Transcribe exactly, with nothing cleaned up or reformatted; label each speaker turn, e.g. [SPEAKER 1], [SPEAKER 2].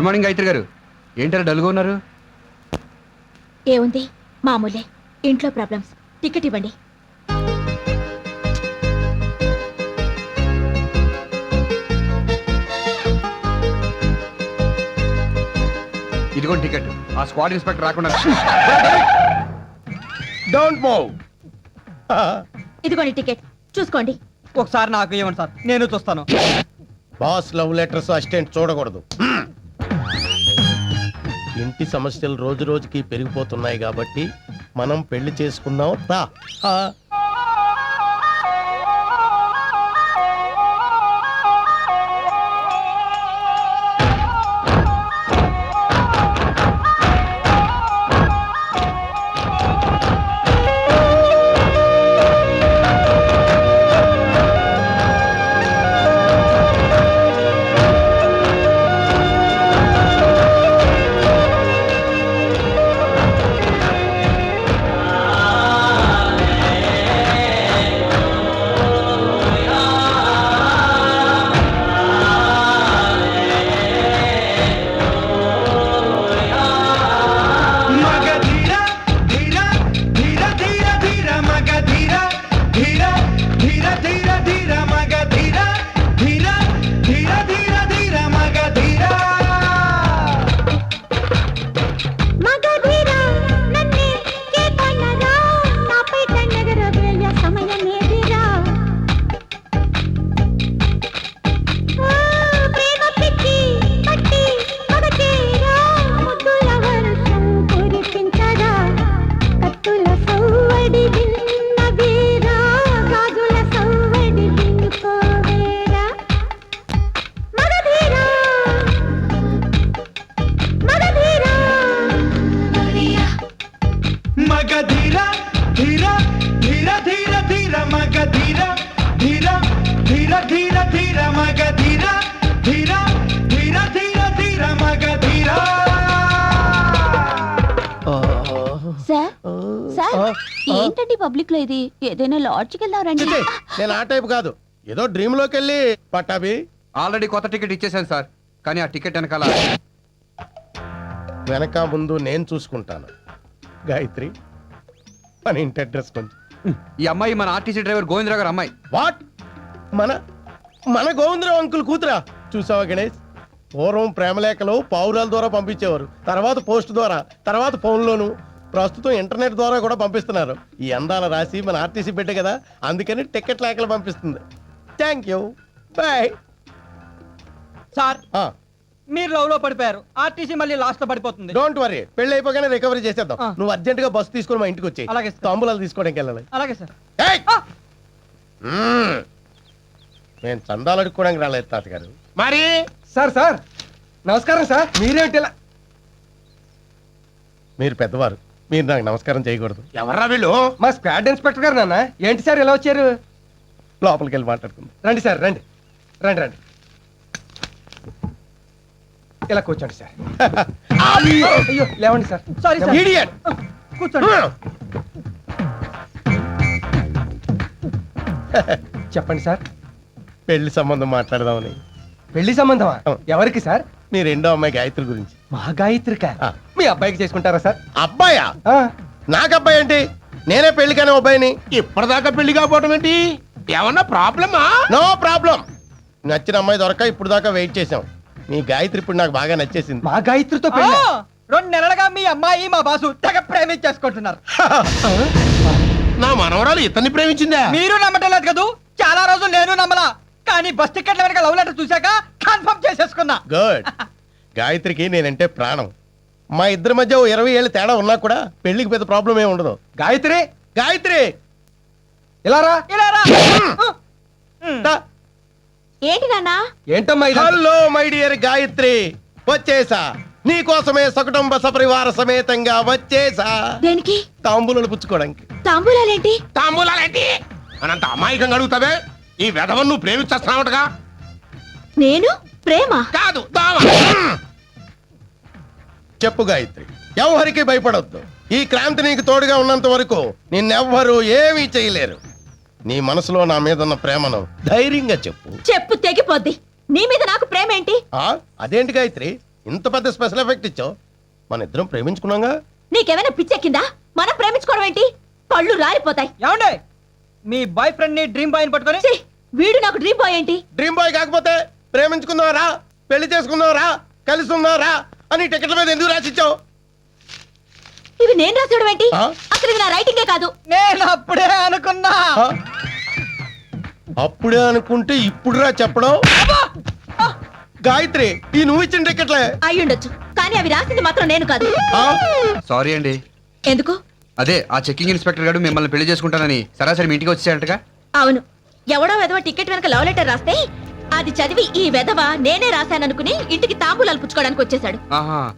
[SPEAKER 1] Good morning Gayatri గారు. ఏంటారు డల్గా ఉన్నారు?
[SPEAKER 2] ఏముంది, మామూలే. ఇంట్లో ప్రాబ్లమ్స్. టికెట్ ఇవ్వండి.
[SPEAKER 1] ఇదిగోండి టికెట్. ఆ స్క్వాడ్ ఇన్స్పెక్టర్ రాకుండా
[SPEAKER 3] డోంట్ మూవ్.
[SPEAKER 2] ఇదిగోండి టికెట్, చూసుకోండి.
[SPEAKER 4] ఒకసారి నాకు ఇవ్వండి సార్, నేను చూస్తాను.
[SPEAKER 3] బాస్ లవ్ లెటర్స్ అసిస్టెంట్ చూడకూడదు. ఇంటి సమస్యలు రోజు రోజుకి పెరిగిపోతున్నాయి కాబట్టి మనం పెళ్లి చేసుకుందాం రా.
[SPEAKER 2] ఏంటండి పబ్లిక్ లో ఇది? ఏదైనా లాడ్జ్కి వెళ్దారండి.
[SPEAKER 3] నేను ఆ టైప్ కాదు, ఏదో డ్రీమ్ లోకి వెళ్ళి పట్టాభి.
[SPEAKER 1] ఆల్రెడీ కొత్త టికెట్ ఇచ్చేసాను సార్, కానీ ఆ టికెట్ వెనకాల
[SPEAKER 3] వెనక ముందు నేను చూసుకుంటాను. గాయత్రి, మన ఇంటి అడ్రస్ కొంచెం.
[SPEAKER 1] ఈ అమ్మాయి మన ఆర్టీసీ డ్రైవర్ గోవిందరావు గారు అమ్మాయి.
[SPEAKER 3] వాట్? మన మన గోవిందరావు అంకుల్ కూతురా? చూసావా గణేష్, పూర్వం ప్రేమలేఖలు పావురాల ద్వారా పంపించేవారు, తర్వాత పోస్ట్ ద్వారా, తర్వాత ఫోన్లోను, ప్రస్తుతం ఇంటర్నెట్ ద్వారా కూడా పంపిస్తున్నారు. ఈ అందాల రాసి మన ఆర్టీసీ పెట్టే కదా, అందుకని టికెట్ లేఖలు పంపిస్తుంది. Thank you, bye.
[SPEAKER 4] సార్, మీరు లవ్ లో పడిపోయారు, ఆర్టీసీ మళ్ళీ లాస్ట్ లో పడిపోతుంది.
[SPEAKER 3] డోంట్ వరీ, పెళ్లి అయిపోగానే రికవరీ చేసేద్దాం.
[SPEAKER 4] ఆ.
[SPEAKER 3] నువ్వు అర్జెంట్ గా బస్సు తీసుకుని మా ఇంటికి వచ్చి
[SPEAKER 4] అలాగే సార్.
[SPEAKER 3] తాంబూలాలు తీసుకోవడానికి వెళ్ళాలి.
[SPEAKER 4] అలాగే సార్.
[SPEAKER 3] ఏయ్! మ్మ్. నేను చందాలు అడుక్కోవడానికి రాలేదు తాతగారు.
[SPEAKER 5] మరి సార్ సార్ నమస్కారం సార్. మీరేంటి ఇలా?
[SPEAKER 3] మీరు పెద్దవారు, మీరు నాకు నమస్కారం చేయకూడదు.
[SPEAKER 5] ఎవర్రా వీళ్ళు? మా స్క్వాడ్ ఇన్స్పెక్టర్ గారు నాన్న. ఏంటి సార్ ఇలా వచ్చారు?
[SPEAKER 3] లోపలికి వెళ్ళి మాట్లాడుకుందాం.
[SPEAKER 5] రండి సార్, రండి రండి రండి. ఇలా కూర్చోండి సార్. అయ్యో లేవండి సార్.
[SPEAKER 4] Sorry sir.
[SPEAKER 3] Idiot!
[SPEAKER 4] కూర్చోండి.
[SPEAKER 5] చెప్పండి సార్.
[SPEAKER 3] పెళ్లి సంబంధం మాట్లాడదామని.
[SPEAKER 5] పెళ్లి సంబంధమా?
[SPEAKER 3] ఆ.
[SPEAKER 5] ఎవరికి సార్?
[SPEAKER 3] మీ రెండో అమ్మాయి గాయత్రి గురించి.
[SPEAKER 5] మా గాయత్రిక.
[SPEAKER 3] ఆ.
[SPEAKER 5] మీ అబ్బాయికి చేసుకుంటారా సార్?
[SPEAKER 3] అబ్బాయా?
[SPEAKER 5] ఆ.
[SPEAKER 3] నాకు అబ్బాయి ఏంటి? నేనే పెళ్లి కానీ అబ్బాయిని.
[SPEAKER 5] ఇప్పటిదాకా పెళ్లి కాకపోవడం ఏంటి? ఏమన్నా ప్రాబ్లమా?
[SPEAKER 3] No problem. నచ్చిన అమ్మాయి దొరక ఇప్పుడు దాకా వెయిట్ చేసాం. మీ గాయత్రి ఇప్పుడు నాకు బాగా నచ్చేసింది.
[SPEAKER 5] మా గాయత్రితో
[SPEAKER 4] ఆ,
[SPEAKER 5] పెళ్లి?
[SPEAKER 4] రెండు నెలలుగా మీ అమ్మాయి మా బాసు తెగ ప్రేమించేసుకుంటున్నారు.
[SPEAKER 5] నా మనవరాలు ఇతన్ని ప్రేమించిందా?
[SPEAKER 4] మీరు నమ్మటం లేదు కదూ. చాలా రోజులు నేను నమ్మలా, కానీ బస్ టికెట్ల వెనక లవ్ లెటర్ చూశాక కన్ఫర్మ్ చేసేసుకున్నా.
[SPEAKER 3] గుడ్. గాయత్రికి నేనంటే ప్రాణం. మా ఇద్దరి మధ్య ఓ ఇరవై ఏళ్ళు తేడా ఉన్నా కూడా పెళ్లికి పెద్ద ప్రాబ్లం ఏమి ఉండదు.
[SPEAKER 5] గాయత్రి,
[SPEAKER 3] గాయత్రి
[SPEAKER 5] ఇలా రా.
[SPEAKER 4] ఇలా రా.
[SPEAKER 3] దా.
[SPEAKER 2] ఏంటి నాన్నా?
[SPEAKER 5] ఏంటమ్మా ఇది?
[SPEAKER 3] హలో మై డియర్ గాయత్రి, వచ్చేసా. నీ కోసమే సకుటుంబ సపరివార సమేతంగా వచ్చేసా.
[SPEAKER 2] దేనికి?
[SPEAKER 3] తాంబూలాలు పుచ్చుకోవడానికి.
[SPEAKER 2] తాంబూలాలేంటి?
[SPEAKER 5] తాంబూలాలేంటి అనంత అమాయకంగా అడుగుతావే? ఈ వెధవను నువ్వు ప్రేమించేస్తున్నావుగా?
[SPEAKER 2] నేను ప్రేమ
[SPEAKER 5] కాదు, దావ.
[SPEAKER 3] చెప్పు గాయత్రి, ఎవరికి భయపడొద్దు. ఈ క్రాంతి నీకు తోడుగా ఉన్నంత వరకు నిన్నెవ్వరూ ఏమీ చేయలేరు. నీ మనసులో నా మీద ఉన్న ప్రేమను ధైర్యంగా చెప్పు.
[SPEAKER 2] చెప్పు తెగిపోద్ది. నీ మీద నాకు ప్రేమ ఏంటి?
[SPEAKER 3] ఆ అదేంటి గాయత్రి, ఇంత పెద్ద స్పెషల్ ఎఫెక్ట్ ఇచ్చావు. మన ఇద్దరం ప్రేమించుకున్నాగా.
[SPEAKER 2] నీకేమైనా పిచ్చెక్కిందా? మనం ప్రేమించుకోవడం ఏంటి? పళ్ళు రాలిపోతాయి.
[SPEAKER 4] ఏమండే మీ బాయ్ ఫ్రెండ్ ని డ్రీమ్ బాయ్ పట్టుకొని
[SPEAKER 2] ఛీ, వీడు నాకు డ్రీమ్ బాయ్ ఏంటి?
[SPEAKER 3] డ్రీమ్ బాయ్ కాకపోతే ప్రేమించుకున్నావరా, పెళ్లి చేసుకున్నావరా, కలిసి ఉన్నావరా అని టికెట్ల మీద ఎందుకు రాసిచ్చావు?
[SPEAKER 2] ఇవి నేను రాసేయడం ఏంటి?
[SPEAKER 3] ఆ?
[SPEAKER 2] అసలు ఇవి నా రైటింగే కాదు.
[SPEAKER 4] నేను అప్పుడే అనుకున్నా.
[SPEAKER 3] ఆ? అప్పుడే అనుకుంటే ఇప్పుడురా చెప్పడం. గాయత్రి, ఈ నువ్వు ఇచ్చిన టికెట్లే.
[SPEAKER 2] అయ్యుండొచ్చు, కానీ అవి రాసింది మాత్రం నేను కాదు.
[SPEAKER 3] ఆ?
[SPEAKER 1] సారీ అండి.
[SPEAKER 2] ఎందుకు?
[SPEAKER 1] అదే ఆ చెక్కింగ్ ఇన్స్పెక్టర్ గారు మిమ్మల్ని పెళ్లి చేసుకుంటానని సరాసరి మీ ఇంటికి వచ్చేయంటగా.
[SPEAKER 2] అవును, ఎవడో వెధవ టికెట్ వెనక లవ్ లెటర్ రాస్తే అది చదివి ఈ వెధవ నేనే రాశాననుకుని ఇంటికి తాంబూలాలు పుచ్చుకోవడానికి వచ్చేసాడు.
[SPEAKER 1] ఆహా